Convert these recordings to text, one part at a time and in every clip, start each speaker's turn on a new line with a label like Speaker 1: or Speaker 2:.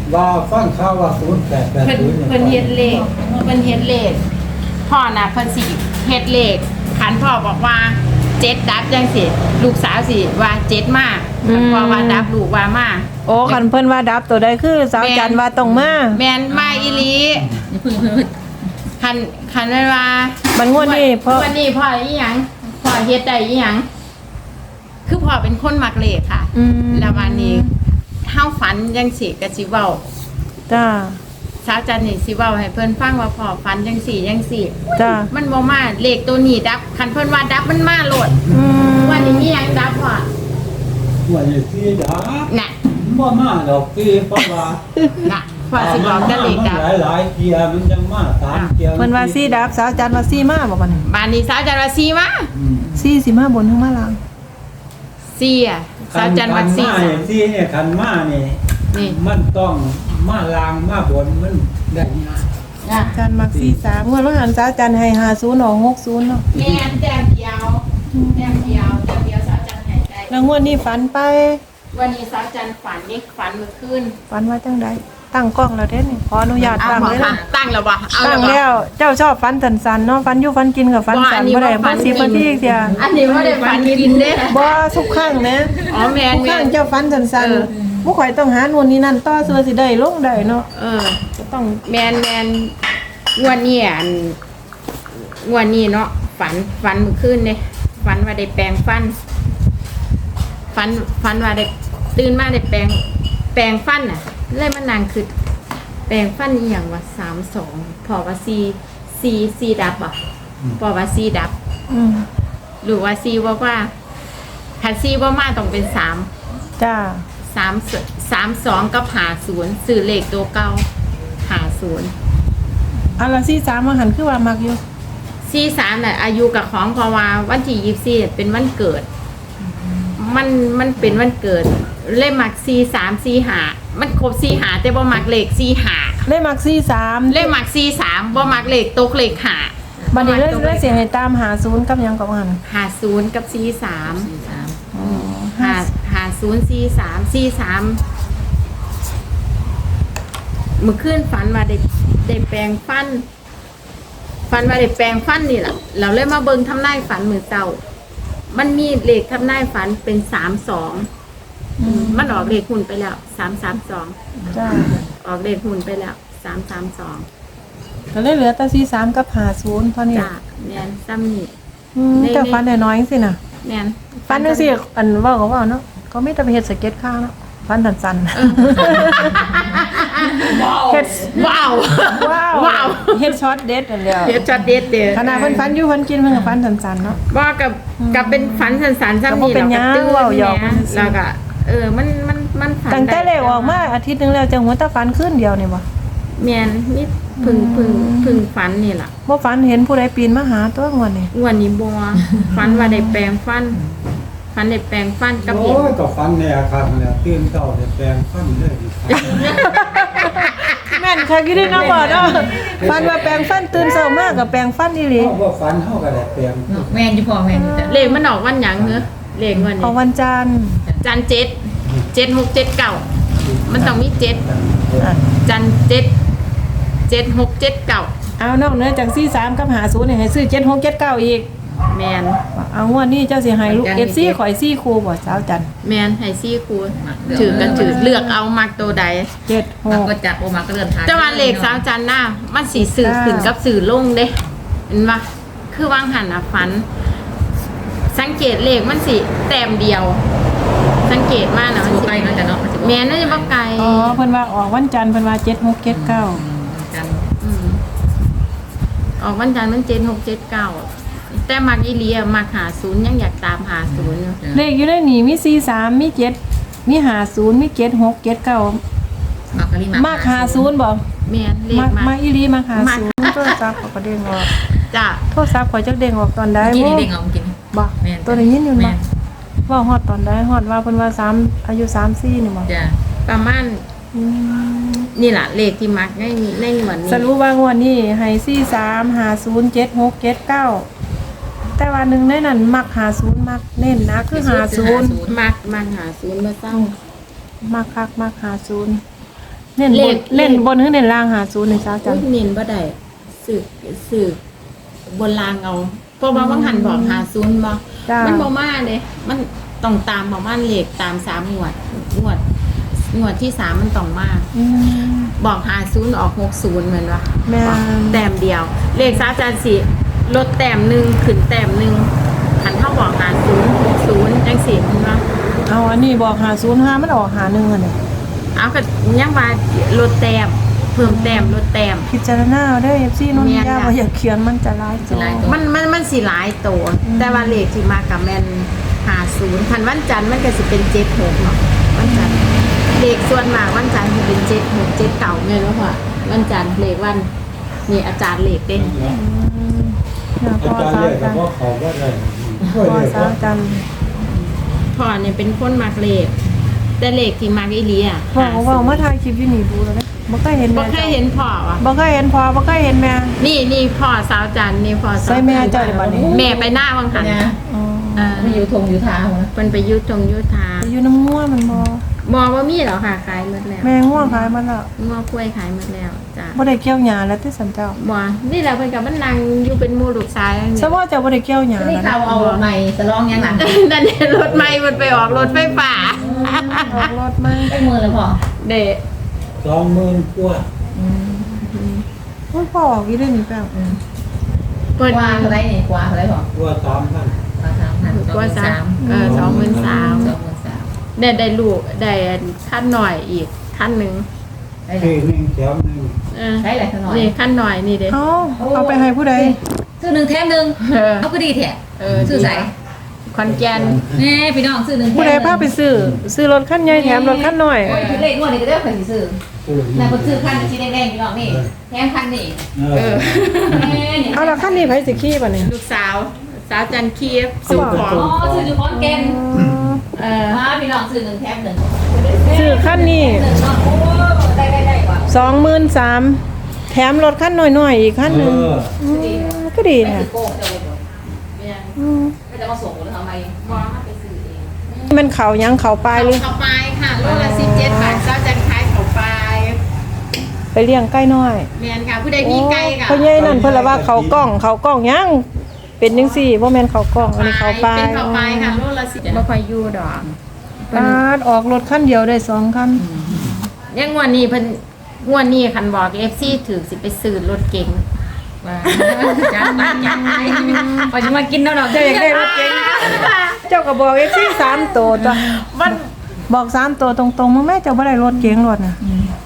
Speaker 1: ว่าฟังข่าวว่า0880
Speaker 2: เพิ่นเฮ็ดเลขพ่อน่ะเพิ่นสิเฮ็ดเลขขันพ่อบอกว่า7ดับจังสิลูกสาวสิว่า7มาพ่อว่าดับลูกว่ามา
Speaker 3: โอ้คันเพิ่นว่าดับตัวใดคือสาวจันว่าต้องมา
Speaker 2: แม่นมาอีหลีคันว่า
Speaker 3: มันงวดนี้พ่อ
Speaker 2: วันนี้พ่ออีหยังพ่อเฮ็ดได้อีหยังคือพ่อเป็นคนมักเลขค่ะแล้ววันนี้เฮาฝันจังสิก็สิเว้า
Speaker 3: จ้า
Speaker 2: สาวจันนี่สิเว้าให้เพิ่นฟังว่าพ่อฝันจังสี่จังสี่
Speaker 3: จ้า
Speaker 2: มันบ่มาเลขตัวนี้ดับคันเพิ่นว่าดับมันมาโลดวันนี้มีหยังดับพ่อ
Speaker 1: ว่าอยู่ที่ดา
Speaker 2: น่ะ
Speaker 1: บ่มาดอกที่เพราะว่า
Speaker 2: น่ะพ่อสิบอกแต่เลขดับ
Speaker 1: หลายเที่ยมันจังมา3เที่ย
Speaker 3: เพิ่นว่าซี่ดับสาวจันว่าซี่มาบ่บัดนี้
Speaker 2: บ้านนี้สาวจันว่า4มา
Speaker 3: ซี่สิมาบนถึงมาล่าง
Speaker 2: 4อ่ะสาวจันว่า
Speaker 1: ที่เนี่ยคันมานี่
Speaker 2: นี่
Speaker 1: มันต้องมาลางมาบนมันได้ยาก
Speaker 2: น่ะ
Speaker 3: จันมักซี่3งวดว่าหันสาวจันให้50ออก60เนาะ
Speaker 2: แม่นแต้มเดียวสาวจันให้ได้
Speaker 3: แล้วงวดนี้ฝันไป
Speaker 2: วันนี้สาวจันฝันนี่ฝันเมื่อคืน
Speaker 3: ฝันว่าจังไดตั้งกล้องแล้วเด้นี่ขออนุญาตตั้งเลยนะ
Speaker 2: ตั้งแล้วบ่เอา
Speaker 3: ตั้ง
Speaker 2: บ่
Speaker 3: แล้วเจ้าชอบฝันสันๆเนาะฝันอยู่ฝันกินกับฝันสันบ่ได้บ่สิบ่ที่เดียว
Speaker 2: อันนี้บ่ได้ฝันกินเด้
Speaker 3: บ่ทุกครั้งนะ
Speaker 2: อ๋อแม่น
Speaker 3: ทุกค
Speaker 2: แม่
Speaker 3: รั้ง
Speaker 2: น
Speaker 3: เจ้าฝันสันๆบ่ข่อยต้องหานู่นนี่นั่นต่อซื้อสิได้ลงได้เนาะ ก็ต้อง
Speaker 2: แม่นงวดนี้งวดนี้เนาะฝันเมื่อคืนเด้ฝันว่าได้แปรงฟันฝันว่าได้ตื่นมาได้แปรงฟันน่ะเลยมานั่งคือแปรงฟันอีหยังว่า32พอว่า4ดับอ่ะพอว่า4ดับ หรือว่า4ว่าถ้า4บ่มาต้องเป็น3
Speaker 3: จ้า
Speaker 2: 32กับ50ซื้อเลขตัวเก่า50
Speaker 3: อันละ43มาหันคือว่ามักอยู่
Speaker 2: 43น่ะอายุกับของเพราะว่าวันที่24เป็นวันเกิด มันเป็นวันเกิดเลขมัก43 45มันครบ45แต่บ่มักเลข45
Speaker 3: เลยมัก43
Speaker 2: เลขมัก43บ่มักเลขตกเลข5
Speaker 3: บัดนี้เลยสิให้ตาม50กับหยังกับหัน
Speaker 2: 50กับ4350 43เมื่อคืนฝันว่าได้แปรงฟันว่าได้แปรงฟันนี่ล่ะเราเลยมาเบิ่งทำนายฝันมื้อเช้ามันมีเลขทำนายฝันเป็น32มันออกเลขหุ้นไปแล้ว332
Speaker 3: จ้า
Speaker 2: ออกเลขหุ้นไปแล้ว332
Speaker 3: ก็เลยเหลือแต่43กับ50เท่านี้
Speaker 2: จ้าแม่นซ้ำนี่
Speaker 3: เจ้าฝันน้อยๆจังซี่น่ะ
Speaker 2: แม่น
Speaker 3: ฝันจังซี่อันเว้าก็เว้าเนาะก็มีแต่ไปเฮ็ดสเก็ตข้างเนาะฝันสั้นๆ เฮ็ด
Speaker 2: ว้าว
Speaker 3: ว้าวเฮ็ดช็อตเด็ดนั่นแหละ
Speaker 2: เฮ็ดช็อตเด็ดเด้อ
Speaker 3: ขนาดเพิ่นฝันอยู่เพิ่นกินเพิ่นก็ฝันสั้นๆเนาะ
Speaker 2: ว่ากับเป็นฝันสันๆซ้ำนี่
Speaker 3: ก็บ่เป็นหยัง
Speaker 2: ตื้อ
Speaker 3: เว้าหยอก
Speaker 2: แม่แล้วก็มันฝัน
Speaker 3: ตั้งแต่เลขออกมาอาทิตย์หนึงแล้วจังหัวตาฝันคืนเดียวนี่บ่
Speaker 2: แม่นนี่พึ่งฝันนี่ล่ะ
Speaker 3: บ่ฝันเห็นผู้ใดปีนมาหาตัวงวดนี่
Speaker 2: งวดนี้บ่ฝันว่าได้แปรงฟันกับเห็น
Speaker 1: โอ้ยก็ฟันแน่ครับแล้วตื่นเช้าได้แปลงฟันเลยดิครับ
Speaker 3: แม่นค่ะกี่ได้เนาะบ่เนาะฝันว่าแปรงฟันตื่นเช้ามาก็แปรงฟันอีหลี
Speaker 1: เฮาบ่ฟันเฮาก็ได้แปลง
Speaker 4: แม่นอยู่พ่อแม่นอยู่จ้ะ
Speaker 2: เลขมันออกวันหยังเหรอเลขวัน
Speaker 3: เอา
Speaker 2: นี้
Speaker 3: วันจันทร์
Speaker 2: จันทร์7 มันต้องมี7
Speaker 3: อ่ะ
Speaker 2: จันทร์7 6 7 9
Speaker 3: เอานอกเหนือจาก43กับ50นี่ให้ซื้อ7679อีก
Speaker 2: แม่น
Speaker 3: เอางวดนี้เจ้าสิให้ลูก FC ข่อย4คู่บ่สาวจันทร์
Speaker 2: แม่นให้ซี่ครูถือกันถือเลือกเอามักตัวใด
Speaker 4: มันก็
Speaker 3: 76
Speaker 4: จัดโอมาก็เลื่อนทาง
Speaker 2: แต่ว่าเลขสาวจันทร์หน้ามันสีสื่อขึ้นกับสื่อลงเด้เห็นปะคือวางหันอ่ะฝัน สังเกตเลขมันสิแต้มเดียว สังเกตมากนะ
Speaker 4: มัน
Speaker 2: มัน
Speaker 4: สิ
Speaker 2: สิ
Speaker 4: ไกลเนาะจ้ะเนาะมันสิบ่
Speaker 2: แม่นน่าจะบ่ไกล
Speaker 3: อ๋อเพิ่นว่าออกวันจันทร์เพิ่นว่า7679
Speaker 4: จัน
Speaker 2: มออกวันจันทร์มัน7679แต่มักอีเลียมัก50ยังอยากตาม50อยู่
Speaker 3: เลขอยู่ในนี่มี43มี7มี50มี7679
Speaker 4: มากะลิ
Speaker 3: มาก50บ่
Speaker 2: แม่นเลข
Speaker 3: มาก
Speaker 2: มั
Speaker 3: มาก อีหลีมาก
Speaker 2: มาก
Speaker 3: 50โทรศัพท์เขาก็เด้งออก
Speaker 2: จ้ะ
Speaker 3: โทรศัพท์ข่อยจักเด้งออกตอนใด
Speaker 4: กิน
Speaker 3: บ่
Speaker 4: เด้งเอากิน
Speaker 3: บ่
Speaker 4: แม่น
Speaker 3: ตัวได้ยินอยู่
Speaker 4: แม่
Speaker 3: บ่
Speaker 4: น
Speaker 3: ว่าฮอดตอนใดฮอดว่าเพิ่นว่า3อายุ34นี่บ่
Speaker 4: จ้ะ
Speaker 2: ประมาณ
Speaker 3: อืม
Speaker 2: นี่ล่ะเลขที่มักในหมวดนี้
Speaker 3: สรุปว่างวดนี้ให้43507679แต่ว่าหนึ่งในนั้นมัก50มักเน้นนะคือ50
Speaker 2: มัก50บ่เศร้า
Speaker 3: มักคักมัก50 เน้นบนเล่นบนหรือเน้นล่างหาศูนย์ในจ้าจั
Speaker 2: อุ้
Speaker 3: น
Speaker 2: ยเน้นบ่ได้สืบบนรางเอาเพราะว่าบางหันบอกหาศูนย์บ่
Speaker 3: จ้า
Speaker 2: มันบ่มาเด้มันต้องตามบอกว่าเลขตาม3งวดที่3มันต้องมา
Speaker 3: อืม
Speaker 2: บอก50ออก60เหมือนว่า
Speaker 3: แม่
Speaker 2: แต้มเดียว เลขซาจานสิลดแต้มหนึงขึ้นแต้มหนึงหันเท่าบอก50 60จังซี่มันว่า
Speaker 3: เอาอันนี้บอกหาศูนย์ห้ามันออกหาหนึ่งอันนี้
Speaker 2: เอาก็ยังว่าลดแต้มเพิ่มแต้มลดแต้ม
Speaker 3: พิจารณาได้เอฟซีนุ่นยาว่าอย่าเขียนมันจะร้ายจอ
Speaker 2: มันสิหลายโตแต่ว่าเลขที่มากับแม่น50คันวันจันทร์มันก็สิเป็น76เนาะวันจันทร์เลขส่วนมากวันจันทร์สิเป็น76 79แม่นบ่พ่อวันจันทร์เลขวันนี่อาจารย์เลขเด้
Speaker 3: นะพ
Speaker 1: อา
Speaker 3: อ
Speaker 1: จารย์
Speaker 3: สา
Speaker 1: เรียก
Speaker 3: จัน
Speaker 1: ว่าเขาว่าอะไร
Speaker 3: พอสาจัน
Speaker 2: พ่อเนี่ยเป็นคนมักเลขแต่เลขที่มักอีหลีอ่ะ
Speaker 3: พ่อเขาว่ามาถ่ายคลิปอยู่นี่ดูแล้วบ่เคยเห็น
Speaker 2: บ่
Speaker 3: แม่
Speaker 2: เคยเห็นพ่อว่ะ
Speaker 3: บ่เคยเห็นพ่อบ่เคยเห็นแม่
Speaker 2: นี่พ่อสาวจันทร์นี่พ่อสาว
Speaker 3: ใส่แม่เจ้าได้บัดนี้
Speaker 2: แม่ไปหน้าวังหัน
Speaker 4: เนี่ย
Speaker 3: อ๋อ
Speaker 4: ไม่อยู่ทงอยู่ทางนะ
Speaker 2: เพิ่นไปยุทงยุทธา
Speaker 3: ไปอยู่น้ำง่วมันบ่
Speaker 2: มอว่ามีเหรอค่ะขายหมดแล้ว
Speaker 3: แม่ง่วงขายมันแล้ว
Speaker 2: งอกล้วยขายหมดแล้วจ้ะ
Speaker 3: บ่ได้เกี่ยวหญ้าแล้วที่สันเจ้า
Speaker 2: บ่นี่แหละเพิ่นกับมันนั่งอยู่เป็นหมู่ลูกชายนี่
Speaker 3: ซะว่าเจ้าบ่ได้เกี่ยวหญ้า
Speaker 4: นี่
Speaker 3: แล้ว
Speaker 4: เขาเอาใหม่สลองยังหลัง
Speaker 2: นั่นเนี่ยรถใหม่มันไปออกรถไฟฟ้า
Speaker 3: ออกรถมา
Speaker 4: ได้มือเลยพ่อ
Speaker 2: เด้
Speaker 1: 20,000กว่า
Speaker 3: โอ้ยพ่อออกอีเรื่องนี้แป้ว
Speaker 2: เพิ่น
Speaker 4: กว่าเท่าไรนี่กว่าเท่าไรพ่อก
Speaker 1: ว่า3,000
Speaker 4: กว่า3,000
Speaker 2: 23,000ได้ลูกได้ขั้นหน่อยอีกขั้นหนึง
Speaker 4: ได้
Speaker 1: ที่หนึ่งแถมหนึ่ง
Speaker 4: ได้หลายหน่อย
Speaker 2: นี่ขั้นหน่อยนี่เด้
Speaker 3: เอาไปให้ผู้ใด
Speaker 4: ซื้อหนึ่งแถมหนึ่ง
Speaker 2: เออ
Speaker 4: เอาก็ดีแท้
Speaker 2: ซื้อใส่ขอนแก่น
Speaker 4: แน่พี่น้องซื้อหนึ่งแถม
Speaker 3: ผู้ใดพาไปซื้อรถคันใหญ่แถมรถคันน้อย
Speaker 4: โอ้ยเลขงวดนี้ก็ได้ใครซื้อ
Speaker 1: ผู้หญิง
Speaker 4: นายคนซื้อคันชิ้นแดงๆพี่น้องนี่แถมคันนี่
Speaker 1: เออ
Speaker 3: เอาละคันนี้ไผสิขี่ป่ะเนี่ย
Speaker 2: ลูกสาวจันเคียบสู่ของ
Speaker 4: อ๋อซื้ออยู่ขอนแก่น พี่น้องซื้อหนึ่งแถมหนึ่ง
Speaker 3: ซื้อคันนี้
Speaker 4: หนึ่งเนาะโอ้ได้กว่า
Speaker 3: 23,000แถมรถคันน้อยๆอีกคันหนึงก็ดี
Speaker 4: ไม่
Speaker 3: นะ
Speaker 4: ถือโก้จะเลยบ่ไม่จะมาส่งหรือทำไม
Speaker 2: มองไปซื้อเอง
Speaker 3: มันเขายังเขาปลายหรือ
Speaker 2: เขาไปค่ะโลละ17 บาทเจ้าจันขายเขาไป
Speaker 3: ไปเลี้ยงไก่น้อย
Speaker 2: แมนค่ะผู้ใดมีไก่ค่ะ
Speaker 3: พ่อใหญ่นั่นเพิ่นละว่าเขากล้องยังเป็นจังซี่บ่แม่นเขากล้องอันนี้เขาปลาย
Speaker 2: เป็นเขาไปค่ะโลละ10บ่ค่อยอยู่ดอก
Speaker 3: ปาดออกรถคันเดียวได้2คัน
Speaker 2: ยังงวดนี้เพิ่นงวดนี้คันบอก FC ถือสิไปซื้อรถเก๋ง
Speaker 4: ว่าจังพอจะมากินแล้วเนาะ
Speaker 3: เจ้าอยากได้รถเก๋งเจ้าก็บอก FC 3ตัวตัว
Speaker 2: มัน
Speaker 3: บอก3ตัวตรงๆแม่เจ้าบ่ได้รถเก๋งรถน่ะ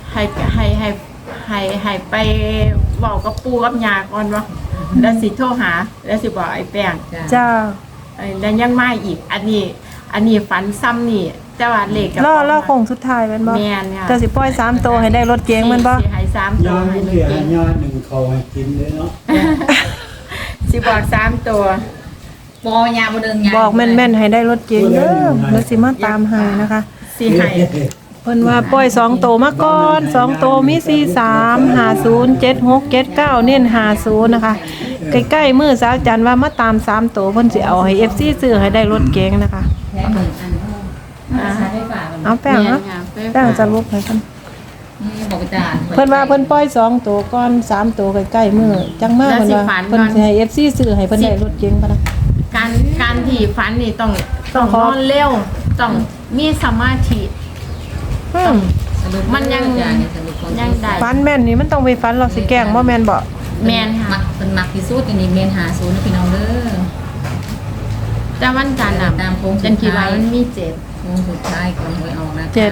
Speaker 2: ให้ไปบอกกับปู่กับย่าก่อนว่าแล้วสิโทรหาแล้วสิบอกไอ้แป้ง
Speaker 3: จ้า
Speaker 2: แล้วยังมาอีก อันนี้ฝันซ้ำนี่แต่ว่าเลขกับ
Speaker 3: รอโค้งสุดท้ายแม่นบ่
Speaker 2: แม่นค่ะ
Speaker 3: เจ้าสิปล่อย3ตัวให้ได้รถเก๋งแม่นบ่
Speaker 2: สิให้3ตั
Speaker 1: ยาว
Speaker 2: ให้
Speaker 1: ไม่
Speaker 2: รถ
Speaker 1: เสีย
Speaker 2: เก๋ง
Speaker 1: ยาหนึ่งเขาให้กินเลยเนาะ
Speaker 2: สิบอก3ตัว
Speaker 4: ปอยาบ่เดินยา
Speaker 3: บอกแม่นๆให้ได้รถเก๋งเด้อแล้วสิมาตามให้นะคะ
Speaker 2: สิให้
Speaker 3: เพิ่นว่าปล่อย2ตัวมาก่อน2ตัวมี43 50 76 79เน้น50นะคะใกล้ๆมื้อสาวจันทร์ว่ามาตาม3ตัวเพิ่นสิเอาให้ FC ซื้อให้ได้รถเก๋งนะคะ
Speaker 4: แถมหนึ่งอันใช้ไฟฟ้ามัน
Speaker 3: เอาแป้ง
Speaker 2: แม่
Speaker 3: เนาะ
Speaker 2: นค่ะ
Speaker 3: แป้งจะลุกให้เพิ่น
Speaker 4: บอกอาจารย์
Speaker 3: เพิ่นว่าเพิ่นปล่อย2ตัวก่อน3ตัวใกล้ๆมื้อจังมาเพิ่นว่าเพิ่นสิให้ FC ซื้อให้เพิ่นได้รถเก๋งปะนะ
Speaker 2: การที่ฝันนี่ต้อง
Speaker 3: ต้องข
Speaker 2: น
Speaker 3: อ
Speaker 2: อนเร็วต้องมีสมาธิ มันยังได้
Speaker 3: ฟันแม่นนี่มันต้องไปฟันเราสิแกล้งบ่แม่นบ่
Speaker 2: แม่นค่ะ
Speaker 4: เป็นมักที่สุดอันนี้เมนหาศูนย์นะพี่น้องเด้อ
Speaker 2: แต่วันจันทร์น่ะ
Speaker 4: ตามโค้งสุดท้าย
Speaker 2: จันคิดว่ามันมีเจ็ด
Speaker 4: วงสุดท้ายก่อนหวยออกนะคะ
Speaker 3: เจ็ด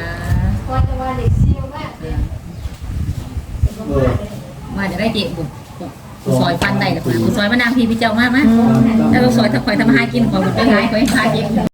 Speaker 4: ว่าจะได้เจ็บบุกซอยฟันได้หรือเปล่าซอยมะนาวพี่พี่เจ้ามากมั้ยแล้วซอยถ้าคอยทำอาหารกินขอบุกไปหายคอยพากิน